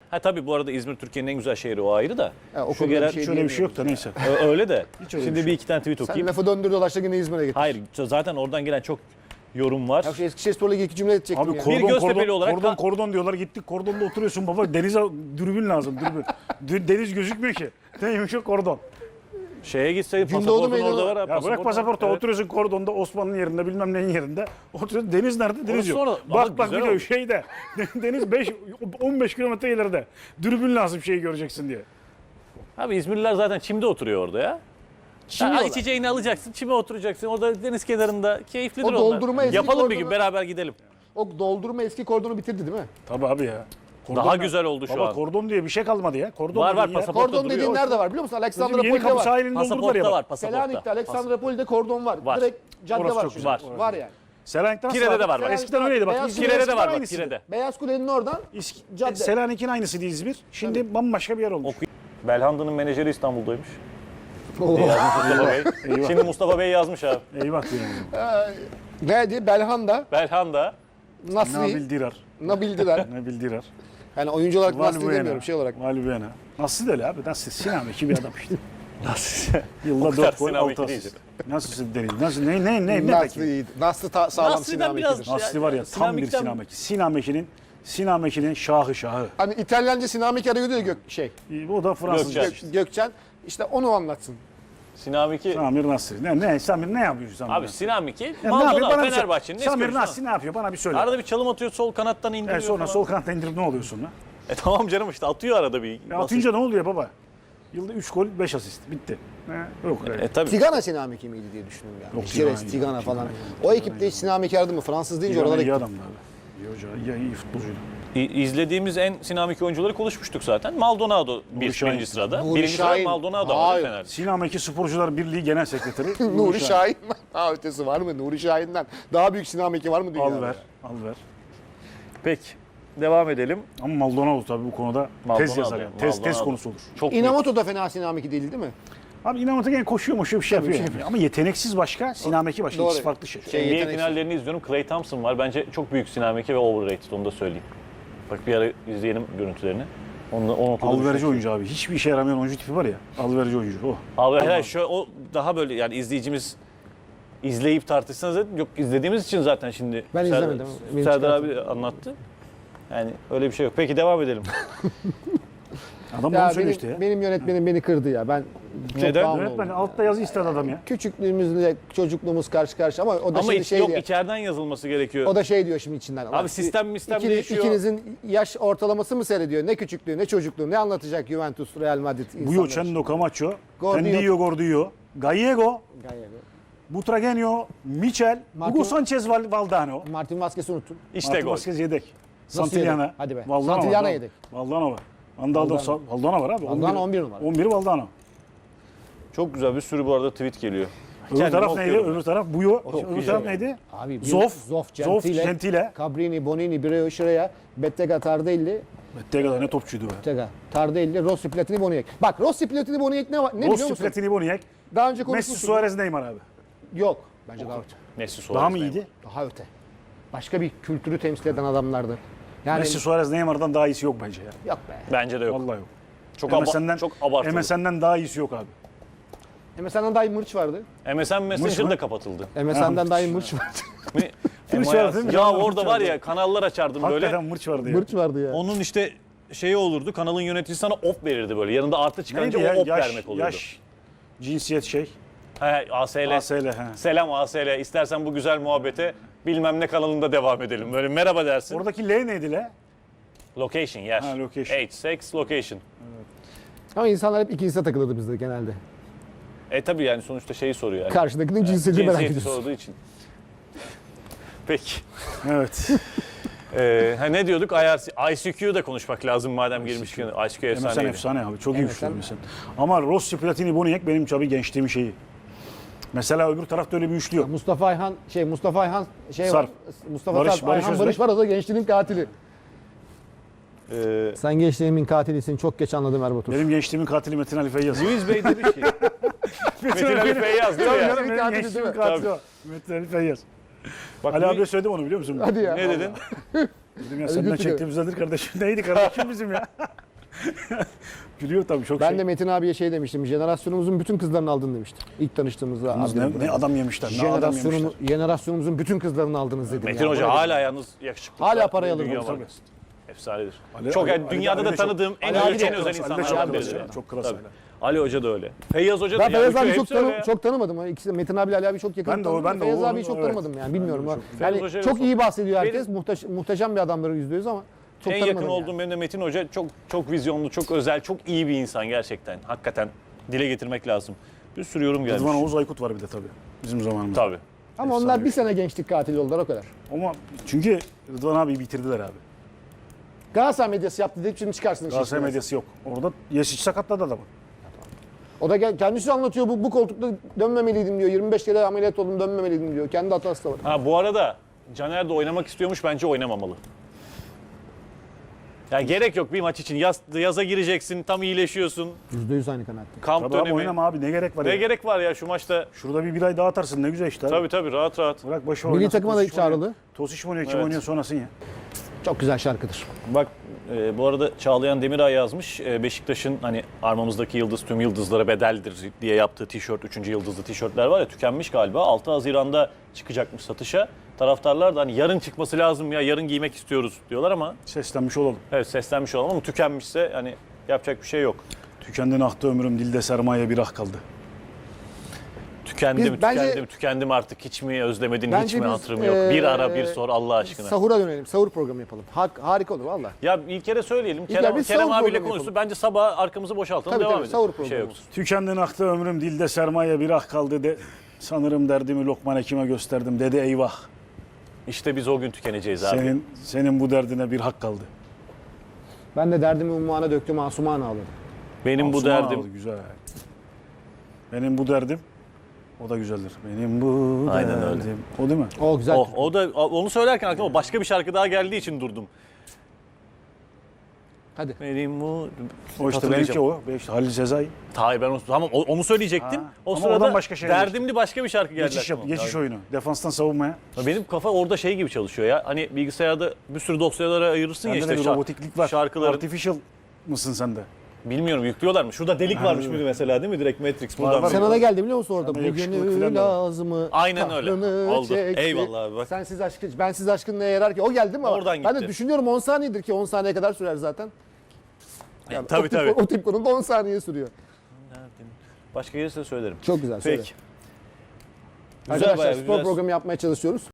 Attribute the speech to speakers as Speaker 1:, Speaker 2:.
Speaker 1: Ha tabii bu arada İzmir Türkiye'nin en güzel şehri, o ayrı da.
Speaker 2: O
Speaker 1: Şu
Speaker 2: konuda
Speaker 1: gelen,
Speaker 2: bir şey
Speaker 3: Şöyle bir şey yok da neyse.
Speaker 1: öyle de.
Speaker 3: Hiç öyle
Speaker 1: Şimdi
Speaker 3: bir
Speaker 1: bir
Speaker 3: şey
Speaker 1: iki tane tweet
Speaker 2: Sen
Speaker 1: okuyayım.
Speaker 2: lafı döndür dolaştı yine İzmir'e git.
Speaker 1: Hayır zaten oradan gelen çok yorum var.
Speaker 2: Ya şu Eskişehirspor'la ilgili iki cümle edecektim
Speaker 3: Abi
Speaker 2: ya.
Speaker 1: Bir Göztepe'li olarak
Speaker 3: kordon diyorlar, gittik kordonda oturuyorsun baba, denize dürbün lazım, dürbün. Deniz gözükmüyor ki. Neymiş o kordon?
Speaker 1: Şeye gitseydin
Speaker 2: Gündoğdu
Speaker 1: pasaportun
Speaker 2: meydanı-
Speaker 1: orada var.
Speaker 3: Ya bırak pasaportu,
Speaker 1: Evet.
Speaker 3: oturuyorsun kordonda, Osman'ın yerinde, bilmem neyin yerinde. Oturuyorsun, deniz nerede? Deniz
Speaker 1: Orası
Speaker 3: yok.
Speaker 1: sonra- ama
Speaker 3: Bak
Speaker 1: güzel
Speaker 3: gidiyor
Speaker 1: olmuş.
Speaker 3: şeyde. Deniz 15 kilometre ileride. Dürbün lazım şeyi göreceksin diye.
Speaker 1: Abi İzmirliler zaten çimde oturuyor orada ya.
Speaker 2: Çimiyorlar.
Speaker 1: İçeceğini alacaksın, çime oturacaksın. Orada deniz kenarında keyiflidir
Speaker 2: O
Speaker 1: onlar.
Speaker 2: doldurma eski
Speaker 1: Yapalım bir gün,
Speaker 2: kordonu-
Speaker 1: beraber gidelim.
Speaker 2: O doldurma eski kordonu bitirdi değil mi?
Speaker 3: Tabii abi ya. Kordon
Speaker 1: Daha
Speaker 3: ya.
Speaker 1: güzel oldu şu
Speaker 3: Baba
Speaker 1: an.
Speaker 3: kordon diye bir şey kalmadı ya. Kordon
Speaker 1: Var,
Speaker 3: dediğin yer-
Speaker 1: pasaport. Pasaportta
Speaker 2: Kordon dediğin
Speaker 1: duruyor.
Speaker 2: nerede var biliyor musun?
Speaker 3: Bizim
Speaker 2: Aleksandropoli'de
Speaker 3: Yeni Kapı
Speaker 2: var.
Speaker 3: sahilini doldurdular
Speaker 1: Pasaportta
Speaker 3: ya.
Speaker 1: var,
Speaker 3: Bak.
Speaker 1: pasaportta.
Speaker 2: Selanik'te, Aleksandropoli'de kordon var.
Speaker 1: Var.
Speaker 2: Direkt cadde
Speaker 3: Orası
Speaker 2: var.
Speaker 3: çok
Speaker 2: çünkü.
Speaker 1: güzel.
Speaker 2: Var yani.
Speaker 3: Selanik'te nasıl
Speaker 1: Kire'de
Speaker 3: abi?
Speaker 1: de var bak.
Speaker 3: Eskiden öyleydi bak.
Speaker 2: Beyaz
Speaker 3: İzmir'de
Speaker 1: Kire'de de
Speaker 3: eskiden
Speaker 1: var bak,
Speaker 3: aynısıydı.
Speaker 1: Kire'de.
Speaker 2: Beyaz Kule'nin oradan cadde.
Speaker 3: Selanik'in aynısıydı İzmir. Şimdi bambaşka bir yer olmuş.
Speaker 1: Belhanda'nın menajeri İstanbul'daymış.
Speaker 2: Oo.
Speaker 1: Mustafa Bey.
Speaker 3: Eyvah.
Speaker 1: Şimdi Mustafa Bey yazmış abi.
Speaker 3: Eyvah diyorum.
Speaker 2: Neydi? Belhanda,
Speaker 1: Belhanda.
Speaker 2: Nasri,
Speaker 3: Nabil Dirar.
Speaker 2: Nabildiler.
Speaker 3: Nabil Dirar.
Speaker 2: Yani oyuncu olarak Nasri
Speaker 3: Valbuena.
Speaker 2: demiyorum şey olarak.
Speaker 3: Valbuena. Nasıl da öyle abi? Nasıl? Sinan Eki bir adam işte.
Speaker 1: Nasıl?
Speaker 3: Yılda
Speaker 1: O kadar
Speaker 3: 4 gol,
Speaker 1: Sinan
Speaker 3: 6
Speaker 1: Eki
Speaker 3: asist.
Speaker 1: değildir.
Speaker 3: Nasıl deniz? Nasıl? Ne
Speaker 2: Nasri
Speaker 3: peki?
Speaker 2: iyiydi. Nasri sağlam
Speaker 1: Nasri'den
Speaker 2: Sinan
Speaker 1: biraz-
Speaker 2: Meki'dir.
Speaker 3: Nasıl var ya, tam bir
Speaker 1: Sinan
Speaker 3: Sinan Eki. Sinan Meki'nin şahı.
Speaker 2: Hani İtalyanca Sinan Meki arıyordu ya
Speaker 3: O da Fransızca
Speaker 1: Gökçen.
Speaker 3: işte.
Speaker 2: Gökçen. İşte onu anlatsın.
Speaker 1: Sinamiki.
Speaker 3: Samir Nasri. Samir ne yapıyor Samir
Speaker 1: Abi
Speaker 3: Nasri?
Speaker 1: Sinamiki.
Speaker 3: Ya ne yapıyor?
Speaker 1: Maldonado
Speaker 3: Bana bir söyle.
Speaker 1: Fenerbahçe'nin.
Speaker 3: Samir Nasri ne yapıyor? Bana bir söyle.
Speaker 1: Arada bir çalım atıyor, sol kanattan indiriyor
Speaker 3: Sonra
Speaker 1: falan.
Speaker 3: sol kanatta indirip ne oluyor sonra?
Speaker 1: Tamam canım işte atıyor arada bir.
Speaker 3: Ya atınca ne oluyor baba? Yılda 3 gol 5 asist. Bitti. Yok öyle.
Speaker 1: Tabii.
Speaker 2: Tigana Sinan Meki miydi diye düşünüyorum yani.
Speaker 3: Yok,
Speaker 2: Ceres,
Speaker 3: Tigana,
Speaker 2: Tigana
Speaker 3: Tigana,
Speaker 2: falan.
Speaker 3: Tigana,
Speaker 2: O ekipte hiç Sinan Meki aradı mı? Fransız deyince
Speaker 3: Tigana
Speaker 2: oralara
Speaker 3: iyi
Speaker 2: gitti.
Speaker 3: adamdı abi. İyi hoca, iyi futbolcuydu.
Speaker 1: İzlediğimiz en Sinamiki oyuncuları konuşmuştuk zaten. Maldonado
Speaker 3: Şahin.
Speaker 1: birinci sırada.
Speaker 2: Nuri
Speaker 1: Birinci sırada
Speaker 2: Şahin.
Speaker 1: Maldonado var
Speaker 2: Hayır.
Speaker 1: Fener'de.
Speaker 3: Sinan Eki Sporcular Birliği Genel Sekreteri.
Speaker 2: Nuri Şahin mi? Daha ötesi var mı? Nuri Şahin'den daha büyük Sinan Meki var mı dünyada?
Speaker 3: Al ver.
Speaker 1: Peki. Devam edelim.
Speaker 3: Ama Maldonado tabii bu konuda
Speaker 1: Maldonado
Speaker 3: tez yazar yani. Tez
Speaker 1: Maldonado.
Speaker 3: konusu olur.
Speaker 1: Çok büyük.
Speaker 2: Inamoto da fena Sinan Meki değil değil mi?
Speaker 3: Abi İnanmat'a gene koşuyor bir şey yapıyor. Yani. Ama yeteneksiz başka, Sinan Eki başka.
Speaker 2: Doğru.
Speaker 3: İkisi farklı şey.
Speaker 2: Şey-
Speaker 1: NBA
Speaker 2: yeteneksiz.
Speaker 1: finallerini izliyorum. Klay Thompson var. Bence çok büyük Sinamiki ve overrated, onu da söyleyeyim. Bak bir ara izleyelim görüntülerini. Onu
Speaker 3: Alverici oyuncu abi. Hiçbir işe yaramayan oyuncu tipi var ya. Alverici oyuncu. O.
Speaker 1: Abi hayır, o daha böyle yani izleyicimiz izleyip tartışsanız yok, izlediğimiz için zaten şimdi
Speaker 2: Ben izlemedim. Benim
Speaker 1: Serdar
Speaker 2: çıkartım.
Speaker 1: abi anlattı. Yani öyle bir şey yok. Peki devam edelim.
Speaker 3: Adam
Speaker 2: Ya
Speaker 3: onu
Speaker 2: benim,
Speaker 3: söylüyor işte ya.
Speaker 2: benim yönetmenim beni kırdı ya. Ben çok
Speaker 1: Neden?
Speaker 2: down
Speaker 3: Yönetmen
Speaker 2: oldum.
Speaker 3: altta yazı istedi adam ya.
Speaker 2: Küçüklüğümüzle çocukluğumuz karşı karşı ama o da
Speaker 1: Ama
Speaker 2: şimdi şey
Speaker 1: yok
Speaker 2: diyor.
Speaker 1: içeriden yazılması gerekiyor.
Speaker 2: O da şey diyor şimdi içinden.
Speaker 1: Abi
Speaker 2: Ulan,
Speaker 1: sistem değişiyor.
Speaker 2: İkinizin yaş ortalaması mı seyrediyor? Ne küçüklüğü ne çocukluğu ne anlatacak Juventus, Real Madrid insanlar.
Speaker 3: Buyo, Cendo, Camacho,
Speaker 2: Gordillo.
Speaker 3: Tendiyo, Gordillo, Gallego,
Speaker 2: Gallego.
Speaker 3: Butragenio, Michel,
Speaker 2: Martin-
Speaker 3: Hugo Sanchez Valdano.
Speaker 2: Martin Vazquez'i unuttun.
Speaker 1: İşte
Speaker 3: Martin
Speaker 1: gol.
Speaker 3: Vazquez yedek.
Speaker 2: Nasıl
Speaker 3: Santillana.
Speaker 2: yedek? Hadi be.
Speaker 3: Valdano
Speaker 2: Santillana
Speaker 3: var.
Speaker 2: yedek.
Speaker 3: Valdano var. Valdano var abi.
Speaker 2: Valdano 11 numara.
Speaker 3: 11 Valdano.
Speaker 1: Çok güzel bir sürü bu arada tweet geliyor.
Speaker 3: Öbür
Speaker 1: Kendimi
Speaker 3: taraf neydi?
Speaker 1: okuyorum.
Speaker 3: Öbür taraf Buyo.
Speaker 1: Çok
Speaker 3: Öbür
Speaker 1: iyi
Speaker 3: taraf
Speaker 1: ya.
Speaker 3: neydi?
Speaker 2: Abi
Speaker 3: Zoff, Gentile.
Speaker 2: Cabrini, Bonini, Bireo, Şireya, Bettega, Tardelli,
Speaker 3: Bettega'da ne topçuydu be.
Speaker 2: Bettega, Tardelli, Rossi, Platini, Boniek. Bak Rossi, Platini, Boniek ne var? Ne biliyor
Speaker 3: Rossi,
Speaker 2: musun?
Speaker 3: Platini, Boniek,
Speaker 2: Daha önce
Speaker 3: Messi,
Speaker 2: konuşmuştuk.
Speaker 3: Suarez, Neymar abi.
Speaker 2: Yok. Bence daha öte.
Speaker 1: Messi Suarez
Speaker 3: Daha mı
Speaker 1: Neymar.
Speaker 3: iyiydi?
Speaker 2: Daha öte. Başka bir kültürü temsil eden adamlardı. Yani
Speaker 3: Messi, Suarez, Neymar'dan daha iyisi yok bence ya.
Speaker 2: yok be.
Speaker 1: Bence de yok.
Speaker 3: Vallahi yok.
Speaker 1: Çok,
Speaker 3: MSN'den,
Speaker 1: abartılı.
Speaker 3: MSN'den daha iyisi yok abi.
Speaker 2: MSN'den daha iyi Mırç vardı.
Speaker 1: MSN Messenger
Speaker 3: mı?
Speaker 1: da kapatıldı.
Speaker 2: MSN'den daha iyi Mırç vardı.
Speaker 3: Mırç
Speaker 1: Ama
Speaker 3: vardı değil mi?
Speaker 1: ya
Speaker 3: Canım,
Speaker 1: orada
Speaker 3: Mırç
Speaker 1: var
Speaker 3: vardı.
Speaker 1: ya kanallar açardım böyle.
Speaker 3: Hakikaten mırç vardı ya.
Speaker 2: Mırç vardı ya.
Speaker 1: Onun işte şeyi olurdu, kanalın yöneticisi sana op verirdi böyle. Yanında artı çıkarınca
Speaker 3: Neydi ya?
Speaker 1: o op vermek oluyordu.
Speaker 3: Yaş, cinsiyet şey.
Speaker 1: He, ASL.
Speaker 3: ASL he.
Speaker 1: Selam ASL. İstersen bu güzel muhabbete bilmem ne kanalında devam edelim. Böyle merhaba dersin.
Speaker 3: Oradaki L neydi L?
Speaker 1: Location, yer.
Speaker 3: Ha, location.
Speaker 1: Age, sex, location.
Speaker 2: Ama insanlar hep ikincisine takılırdı bizde genelde.
Speaker 1: Tabii yani sonuçta şeyi soruyor yani.
Speaker 2: Karşıdakinin cinsiyetini merak
Speaker 1: Cinsiyeti
Speaker 2: ediyorsun.
Speaker 1: sorduğu için. Peki.
Speaker 3: Evet.
Speaker 1: Ne diyorduk? ICQ'yu da konuşmak lazım madem girmişken. ICQ
Speaker 3: MSN
Speaker 1: efsaneydi.
Speaker 3: efsane abi. Çok iyi
Speaker 2: MSN.
Speaker 3: üçlü MSN. Ama Rossi, Platini, Boniek benim tabii gençliğimin şeyi. Mesela öbür tarafta öyle bir üçlü yok.
Speaker 2: Mustafa Ayhan
Speaker 3: Sarp.
Speaker 2: var. Mustafa
Speaker 3: Barış-
Speaker 2: Sarp,
Speaker 3: Barış
Speaker 2: Ayhan
Speaker 3: Özbek.
Speaker 2: Barış var o da gençliğinin katili. Sen gençliğimin katilisin çok geç anladım Erbatur.
Speaker 3: Benim gençliğimin katili Metin Ali Feyyaz.
Speaker 1: Luis Bey demiş ki. Metin Ali Feyyaz değil mi
Speaker 3: Tabii
Speaker 1: ya?
Speaker 3: canım, benim
Speaker 2: Katili
Speaker 3: gençliğimin
Speaker 2: değil mi?
Speaker 3: katili o. Metin Ali Feyyaz.
Speaker 1: Bak,
Speaker 3: Ali
Speaker 1: bu-
Speaker 3: abiye söyledim onu biliyor musun?
Speaker 2: Hadi ya.
Speaker 1: Ne dedin?
Speaker 3: Dedim ya senden
Speaker 2: götürüyor.
Speaker 3: çektiğimizdendir kardeşim. Neydi kardeşim bizim ya? Gülüyor tabii çok
Speaker 2: Ben
Speaker 3: şey.
Speaker 2: de Metin abiye şey demiştim. Jenerasyonumuzun bütün kızlarını aldın demiştim. İlk tanıştığımızda.
Speaker 3: Yalnız
Speaker 2: abi,
Speaker 3: ne adam yemişler. Ne adam yemişler.
Speaker 2: Jenerasyonumuzun bütün kızlarını aldınız dedim.
Speaker 1: Metin
Speaker 2: ya.
Speaker 1: Hoca
Speaker 2: Böyle
Speaker 1: hala yalnız yakışıklı.
Speaker 2: Hala parayı alır
Speaker 1: Dünya
Speaker 2: bu, tabii.
Speaker 1: markası. Efsanedir.
Speaker 3: Ali-
Speaker 1: çok
Speaker 3: Ali-
Speaker 1: yani dünyada
Speaker 3: Ali
Speaker 1: da
Speaker 3: de çok-
Speaker 1: tanıdığım en
Speaker 2: Ali abi
Speaker 1: özel,
Speaker 2: de
Speaker 1: en
Speaker 2: çok
Speaker 1: özel
Speaker 3: klas, Ali de çok
Speaker 1: insanlardan
Speaker 3: klas
Speaker 1: biridir.
Speaker 3: ya, çok klas
Speaker 1: Tabii.
Speaker 3: Ali.
Speaker 1: Ali Hoca da öyle. Feyyaz Hoca da.
Speaker 2: Ben Feyyaz
Speaker 1: yani
Speaker 2: abi
Speaker 1: hepsi öyle ya.
Speaker 2: çok tanımadım. İkisi de Metin abiyle Ali abi çok yakın
Speaker 3: Ben de o-
Speaker 2: tanıdım.
Speaker 3: ben de
Speaker 2: Feyyaz
Speaker 3: o-
Speaker 2: abiyi çok
Speaker 3: evet.
Speaker 2: tanımadım yani bilmiyorum.
Speaker 3: Ben de
Speaker 2: Yani
Speaker 1: Feyyaz Hoca'yı
Speaker 2: çok
Speaker 1: da
Speaker 2: iyi bahsediyor
Speaker 1: Benim-
Speaker 2: herkes. Muhteşem bir adamları yüzde yüz ama çok
Speaker 1: En
Speaker 2: tanımadım
Speaker 1: yakın
Speaker 2: yani.
Speaker 1: olduğum benim de Metin Hoca çok vizyonlu, çok özel, çok iyi bir insan gerçekten. Hakikaten dile getirmek lazım. Bir sürü yorum gelmiş.
Speaker 3: Rıdvan Oğuz Aykut var bir de tabii. Bizim zamanımızda.
Speaker 1: Tabii.
Speaker 2: Ama onlar bir sene gençlik katili oldular o kadar.
Speaker 3: Ama çünkü Rıdvan abi bitirdiler abi.
Speaker 2: Galatasaray medyası yaptı deyip şimdi çıkarsın.
Speaker 3: Galatasaray
Speaker 2: işin
Speaker 3: medyası yok. Orada Yesic sakatladı adamı.
Speaker 2: O da kendisi anlatıyor bu koltukta dönmemeliydim diyor. 25 kere ameliyat oldum dönmemeliydim diyor. Kendi hatası da var.
Speaker 1: Ha bu arada Caner de oynamak istiyormuş, bence oynamamalı. Yani gerek yok bir maç için. Yaza gireceksin, tam iyileşiyorsun.
Speaker 2: %100 aynı kanaatte.
Speaker 1: Kamp
Speaker 3: Tabii abi
Speaker 1: dönemi.
Speaker 3: oynama abi ne gerek var
Speaker 1: Ne
Speaker 3: ya.
Speaker 1: gerek var ya şu maçta?
Speaker 3: Şurada bir ay daha atarsın ne güzel işte. abi.
Speaker 1: Tabii rahat rahat.
Speaker 3: Bırak başı
Speaker 2: Milli
Speaker 3: oynasın,
Speaker 2: takıma da
Speaker 3: Tosic mi oynuyor?
Speaker 2: çağrılı.
Speaker 3: Tosic mi oynuyor kim
Speaker 1: Evet.
Speaker 3: oynuyor sonrasın ya.
Speaker 2: Çok güzel şarkıdır.
Speaker 1: Bak bu arada Çağlayan Demiray yazmış. Beşiktaş'ın hani armamızdaki yıldız tüm yıldızlara bedeldir diye yaptığı tişört, 3. yıldızlı tişörtler var ya tükenmiş galiba. 6 Haziran'da çıkacakmış satışa. Taraftarlar da hani yarın çıkması lazım ya yarın giymek istiyoruz diyorlar ama
Speaker 3: Seslenmiş olalım.
Speaker 1: evet seslenmiş olalım ama tükenmişse hani yapacak bir şey yok.
Speaker 3: Tükendi ahtı ömrüm dilde sermaye bir ah kaldı.
Speaker 1: Tükendim artık hiç mi özlemedin hiç
Speaker 2: Bence
Speaker 1: mi
Speaker 2: biz,
Speaker 1: hatırım yok. Bir ara bir sor Allah aşkına.
Speaker 2: Sahura dönelim. Sahur programı yapalım. Harika olur valla.
Speaker 1: Ya ilk kere söyleyelim.
Speaker 2: İlker, biz
Speaker 1: Kerem
Speaker 2: sahur
Speaker 1: abiyle
Speaker 2: programı
Speaker 1: konuşsun.
Speaker 2: yapalım.
Speaker 1: Bence sabah arkamızı boşaltalım
Speaker 2: Tabii,
Speaker 1: devam
Speaker 2: tabii,
Speaker 1: edelim.
Speaker 2: sahur
Speaker 1: Bir şey
Speaker 2: programı
Speaker 1: yok.
Speaker 2: olsun.
Speaker 3: Tükendi ahtı ömrüm dilde sermaye bir ah kaldı de. Sanırım derdimi Lokman Hekim'e gösterdim dedi eyvah.
Speaker 1: İşte biz o gün tükeneceğiz abi.
Speaker 3: Senin bu derdine bir hak kaldı.
Speaker 2: Ben de derdimi ummana döktüm, asumana ağladım.
Speaker 1: Benim bu
Speaker 3: Asuman
Speaker 1: derdim.
Speaker 3: aldı, güzel. Benim bu derdim o da güzeldir. Benim bu
Speaker 1: Aynen
Speaker 3: derdim.
Speaker 1: öyle.
Speaker 3: O değil mi?
Speaker 2: O güzel.
Speaker 1: O da onu söylerken aklıma başka bir şarkı daha geldiği için durdum.
Speaker 2: Hadi.
Speaker 1: Benim bu
Speaker 3: O işte
Speaker 1: hatırlayacağım.
Speaker 3: benimki o. İşte Halil Sezai.
Speaker 1: Hayır ben onu söyleyecektim.
Speaker 3: Ha,
Speaker 1: O
Speaker 3: ama
Speaker 1: sırada
Speaker 3: oradan başka şey
Speaker 1: derdimli başka bir şarkı geldi.
Speaker 3: Geçiş,
Speaker 1: aklıma.
Speaker 3: geçiş oyunu. Defanstan savunmaya.
Speaker 1: Ya benim kafa orada şey gibi çalışıyor ya. Hani bilgisayarda bir sürü dosyalara ayırırsın ya
Speaker 3: Sende
Speaker 1: işte
Speaker 3: de bir robotiklik var.
Speaker 1: şarkıların.
Speaker 3: Artificial mısın sen de?
Speaker 1: Bilmiyorum yüklüyorlar mı? Şurada delik varmış mıydı mesela değil mi? Direkt Matrix buradan.
Speaker 3: var.
Speaker 2: Sana da geldi biliyor musun orada?
Speaker 3: Sana yakışıklık
Speaker 2: Bugünü
Speaker 3: falan da var.
Speaker 2: lazımı.
Speaker 1: Aynen öyle.
Speaker 2: kahrını
Speaker 1: Oldu.
Speaker 2: çekti.
Speaker 1: Eyvallah abi, bak.
Speaker 2: Sensiz aşkın, bensiz aşkın neye yarar ki? O geldi mi? ama
Speaker 1: Oradan
Speaker 2: Ben de
Speaker 1: gitti.
Speaker 2: düşünüyorum 10 saniyedir ki 10 saniye kadar sürer zaten. Yani
Speaker 1: tabii.
Speaker 2: O tip konuda 10 saniye sürüyor.
Speaker 1: Başka gelirse söylerim.
Speaker 2: Çok güzel. Söyle.
Speaker 1: Peki. Güzel,
Speaker 2: Arkadaşlar
Speaker 1: bayağı
Speaker 2: spor
Speaker 1: güzel.
Speaker 2: programı yapmaya çalışıyoruz.